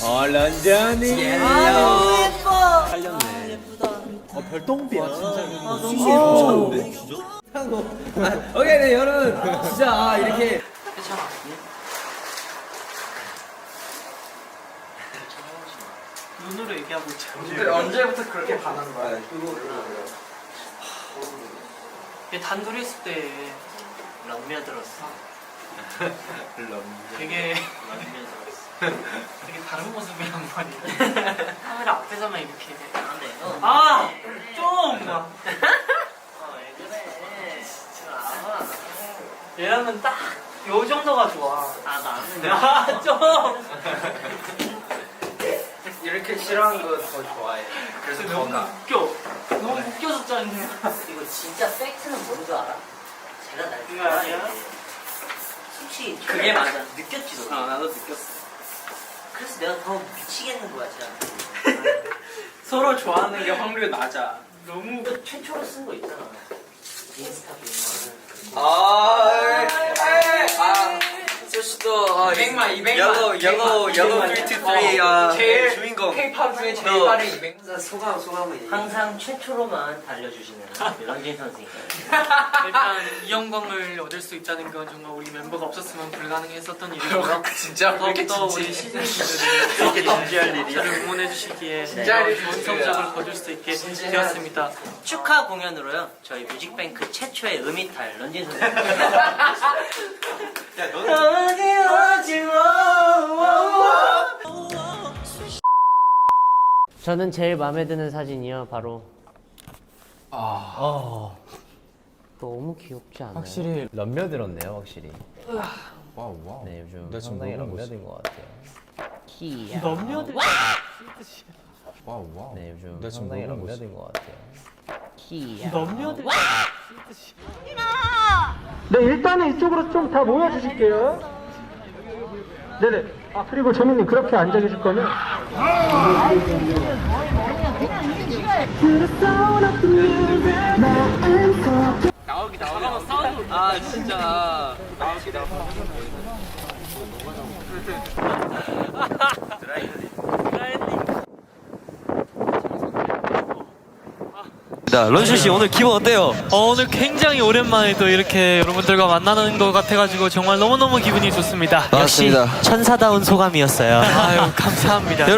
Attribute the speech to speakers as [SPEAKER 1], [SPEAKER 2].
[SPEAKER 1] 런쥔이
[SPEAKER 2] 너무 예뻐.
[SPEAKER 1] 살렸네.
[SPEAKER 2] 예쁘다.
[SPEAKER 1] 별똥비야 진짜.
[SPEAKER 2] 너무 예뻐.
[SPEAKER 1] 오케이 네 여러분 진짜 이렇게
[SPEAKER 2] 괜찮아. 눈으로 얘기하고 있죠.
[SPEAKER 3] 언제부터 그렇게 반한 거야?
[SPEAKER 2] 얘 단둘이 있을 때 런미어 들었어. 되게 되게 다른 모습이란 말이야. 카메라 앞에서만 이렇게. 아, 좀. 얘랑은 딱 요 정도가 좋아. 아 나는. 좀.
[SPEAKER 3] 이렇게 싫어하는 거 더 좋아해. 그래서
[SPEAKER 2] 너무 웃겨. 너무 웃겨졌잖아.
[SPEAKER 4] 이거 진짜 팩트는 뭔 줄 알아? 제가 날
[SPEAKER 2] 이거 아니야?
[SPEAKER 4] 좋아해. 솔직히
[SPEAKER 2] 그게 맞아.
[SPEAKER 4] 느꼈지 너.
[SPEAKER 2] 나도 느꼈어.
[SPEAKER 4] 그래서 내가 더 미치겠는 거야 진짜.
[SPEAKER 2] 서로 좋아하는 게 확률이 낮아. 너무
[SPEAKER 4] 이거 최초로 쓴 거 있잖아. 인스타 비밀.
[SPEAKER 3] 소시도 200만
[SPEAKER 1] yellow 323
[SPEAKER 3] 제일
[SPEAKER 1] 주인공.
[SPEAKER 3] K-pop 중에 제일 빠른 200만
[SPEAKER 4] 소감을 얘기해. 항상 최초로만 달려주시는 런쥔 선생님.
[SPEAKER 2] 일단 이 영광을 얻을 수 있다는 건 정말 우리 멤버가 없었으면 불가능했었던 일이고요.
[SPEAKER 3] 진짜 왜 이렇게
[SPEAKER 2] 더욱더 우리
[SPEAKER 3] 진지해?
[SPEAKER 2] 시즌분들이
[SPEAKER 1] 이렇게 진지할 일이야?
[SPEAKER 2] 저를 응원해 주시기에
[SPEAKER 3] 진지할
[SPEAKER 2] 좋은
[SPEAKER 3] 일이야.
[SPEAKER 2] 성적을 거둘 수 있게 되었습니다.
[SPEAKER 4] 축하 공연으로요. 저희 뮤직뱅크 최초의 음이탈 런쥔 선생님.
[SPEAKER 1] 야 너는
[SPEAKER 5] 저는 제일 마음에 드는 사진이요 바로 너무 귀엽지 않아요?
[SPEAKER 6] 확실히 런며 들었네요, 확실히. 와우.
[SPEAKER 5] 네 요즘
[SPEAKER 6] 나 지금
[SPEAKER 5] 상당히
[SPEAKER 6] 너무 멋있어.
[SPEAKER 5] 런며인 것 같아요. 키야.
[SPEAKER 2] 넘녀들
[SPEAKER 6] 와우.
[SPEAKER 5] 네 요즘
[SPEAKER 6] 나 지금
[SPEAKER 5] 상당히
[SPEAKER 6] 너무 멋있어.
[SPEAKER 5] 런며인 것 같아요. 키야.
[SPEAKER 2] 넘녀들
[SPEAKER 7] 네, 일단은 이쪽으로 좀 다 모여주실게요. 네네. 아, 그리고 재민님, 그렇게 앉아 계실 거면.
[SPEAKER 2] 잠깐만 사운드.
[SPEAKER 1] 아 진짜 자 런쥔 씨 오늘 기분 어때요?
[SPEAKER 2] 오늘 굉장히 오랜만에 또 이렇게 여러분들과 만나는 것 같아가지고 정말 너무너무 기분이 좋습니다.
[SPEAKER 1] 맞습니다.
[SPEAKER 4] 천사다운 소감이었어요.
[SPEAKER 2] 아유 감사합니다.